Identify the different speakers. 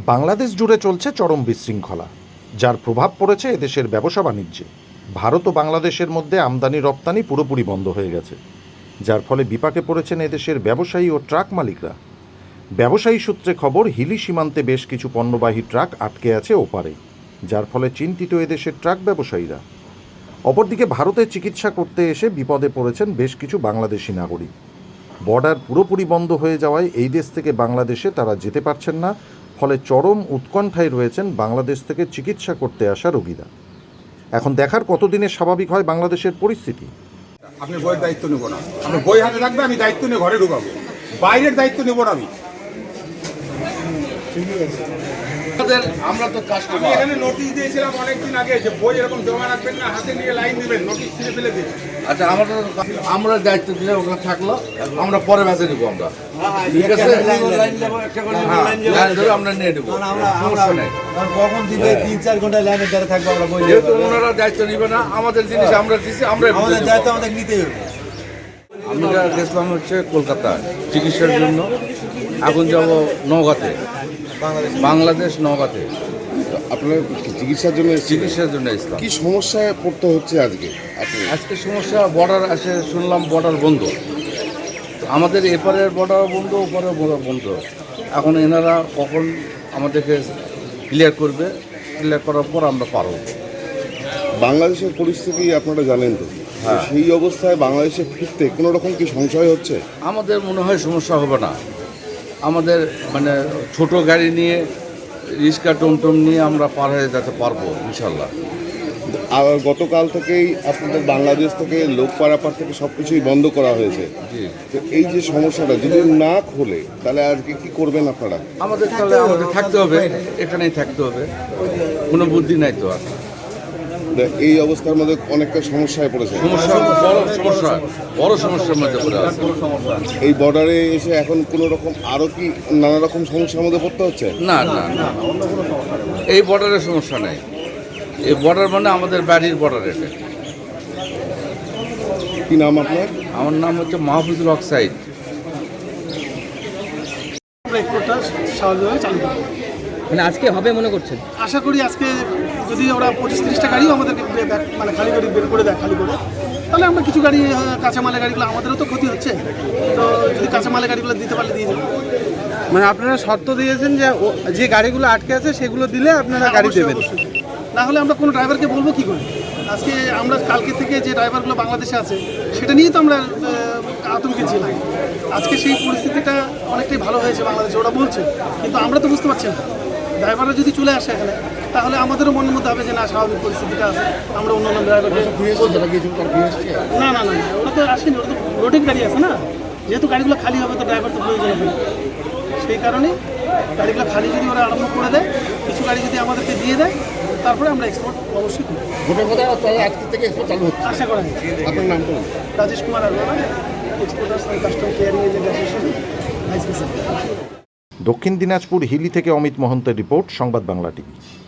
Speaker 1: বাংলাদেশ জুড়ে চলছে চরম বিশৃঙ্খলা, যার প্রভাব পড়েছে এদেশের ব্যবসা বাণিজ্যে। ভারত ও বাংলাদেশের মধ্যে আমদানি রপ্তানি পুরোপুরি বন্ধ হয়ে গেছে, যার ফলে বিপাকে পড়েছেন এদেশের ব্যবসায়ী ও ট্রাক মালিকরা। ব্যবসায়ী সূত্রে খবর, হিলি সীমান্তে বেশ কিছু পণ্যবাহী ট্রাক আটকে আছে ওপারে, যার ফলে চিন্তিত এদেশের ট্রাক ব্যবসায়ীরা। অপরদিকে ভারতে চিকিৎসা করতে এসে বিপদে পড়েছেন বেশ কিছু বাংলাদেশি নাগরিক। বর্ডার পুরোপুরি বন্ধ হয়ে যাওয়ায় এই দেশ থেকে বাংলাদেশে তারা যেতে পারছেন না, ফলে চরম উৎকণ্ঠায় রয়েছেন বাংলাদেশ থেকে চিকিৎসা করতে আসা রোগীরা। এখন দেখার কতদিনে স্বাভাবিক হয় বাংলাদেশের পরিস্থিতি।
Speaker 2: আপনি বইয়ের দায়িত্ব নেব না, আপনি বই হাতে রাখবে, আমি দায়িত্ব নিয়ে ঘরে ঢুকাবো, বাইরের দায়িত্ব নেব না আমি।
Speaker 3: আমরা তো
Speaker 2: আমি এখানে নোটিশ দিয়েছিলাম অনেকদিন আগে যে বই এরকম জমা রাখবেন না, হাতে নিয়ে লাইন দিবেন, নোটিশ ছিঁড়ে ফেলে দিন।
Speaker 3: আচ্ছা, আমরা দায়িত্ব দিলে ওখানে থাকলো, আমরা পরে বেঁচে নিবো। আমরা ঠিক আছে, আমরা নিয়ে নেবো,
Speaker 4: কখন দিবে 3-4 ঘন্টা লাইনে দাঁড়িয়ে থাকবো আমরা। বই
Speaker 3: যেহেতু ওনারা দায়িত্ব নিবে না, আমাদের জিনিস আমরা দিচ্ছি, আমরা
Speaker 4: আমাদের দায়িত্ব আমাদের নিতেই হবে।
Speaker 3: আমরা গেছিলাম হচ্ছে কলকাতা চিকিৎসার জন্য, এখন যাব নওগাঁতে, বাংলাদেশ নওগাঁতে
Speaker 5: আপনার চিকিৎসার জন্য
Speaker 3: ইসলাম।
Speaker 5: কি সমস্যায় পড়তে হচ্ছে আজকে?
Speaker 3: আজকে সমস্যা, বর্ডার আসে শুনলাম বর্ডার বন্ধ, আমাদের এপারের বর্ডার বন্ধ, ওপারের বর্ডার বন্ধ। এখন এনারা কখন আমাদেরকে ক্লিয়ার করবে, ক্লিয়ার করার পর আমরা পারব।
Speaker 5: বাংলাদেশের পরিস্থিতি আপনারা জানেন তো,
Speaker 3: হ্যাঁ।
Speaker 5: সেই অবস্থায় বাংলাদেশে ফিরতে কোনো রকম কি সংশয় হচ্ছে?
Speaker 3: আমাদের মনে হয় সমস্যা হবে না। আমাদের মানে ছোট গাড়ি নিয়ে, রিক্সা টমটম নিয়ে আমরা পার হয়ে যেতে পারবো ইনশাল্লাহ।
Speaker 5: আর গতকাল থেকেই আপনাদের বাংলাদেশ থেকে লোক পারাপার থেকে সব কিছুই বন্ধ করা হয়েছে।
Speaker 3: জি,
Speaker 5: তো এই যে সমস্যাটা যদি না খোলে, তাহলে আজকে কি করবেন আপনারা?
Speaker 3: আমাদের থাকতে হবে, এখানেই থাকতে হবে, কোনো বুদ্ধি নাই তো আর।
Speaker 5: এই অবস্থার মধ্যে অনেকটা সমস্যায় পড়েছে।
Speaker 3: বড় সমস্যার মধ্যে পড়ে আছে।
Speaker 5: এই বর্ডারে এসে এখন কোনো রকম আরও কি নানা রকম সমস্যার মধ্যে পড়তে হচ্ছে?
Speaker 3: না না না, এই বর্ডারের সমস্যা নাই। এই বর্ডার মানে আমাদের বাড়ির বর্ডার। এটা
Speaker 5: কি নাম আপনার?
Speaker 3: আমার নাম হচ্ছে মাহফুজুল হক সাইদ।
Speaker 6: স্বাভাবিকভাবে চালু হবে,
Speaker 7: মানে আজকে হবে মনে করছেন?
Speaker 6: আশা করি আজকে যদি ওরা 25-30টা গাড়িও আমাদেরকে মানে খালি গাড়ি বের করে দেয়, খালি করে, তাহলে আমরা কিছু গাড়ি, কাঁচামালের গাড়িগুলো আমাদেরও তো ক্ষতি হচ্ছে, তো যদি কাঁচামালের গাড়িগুলো দিতে পারলে দিয়ে দেবো।
Speaker 4: মানে আপনারা শর্ত দিয়েছেন যে যে গাড়িগুলো আটকে আছে সেগুলো দিলে আপনারা গাড়ি দেবেন,
Speaker 6: না হলে আমরা কোনো ড্রাইভারকে বলবো কি করে? আজকে আমরা কালকে থেকে যে ড্রাইভারগুলো বাংলাদেশে আছে সেটা নিয়েই তো আমরা আতঙ্কে ছিলাম। আজকে সেই পরিস্থিতিটা অনেকটাই ভালো হয়েছে বাংলাদেশে, ওরা বলছে, কিন্তু আমরা তো বুঝতে পারছি না। ড্রাইভাররা যদি চলে আসে এখানে, তাহলে আমাদেরও মনের মধ্যে হবে যে না, স্বাভাবিক পরিস্থিতিটা আছে, আমরা অন্য অন্য ড্রাইভারকে না না না, ওরা তো আসেনি, ওরা তো রোডের গাড়ি আছে না, যেহেতু গাড়িগুলো খালি হবে তো ড্রাইভার তো প্রয়োজন হবে, সেই কারণে গাড়িগুলো খালি যদি ওরা আরম্ভ করে দেয়, কিছু গাড়ি যদি আমাদেরকে দিয়ে দেয়, তারপরে আমরা এক্সপোর্ট অবশ্যই করি।
Speaker 5: আজকে থেকে এক্সপোর্ট চালু হচ্ছে।
Speaker 6: আশা করা যায়।
Speaker 5: আপনার নাম তো?
Speaker 6: Rajesh Kumar Arora, exporters and custom caring agent association, vice president.
Speaker 1: Dakshin Dinajpur Hili থেকে অমিত মহন্তের রিপোর্ট, সংবাদ বাংলা টিভি।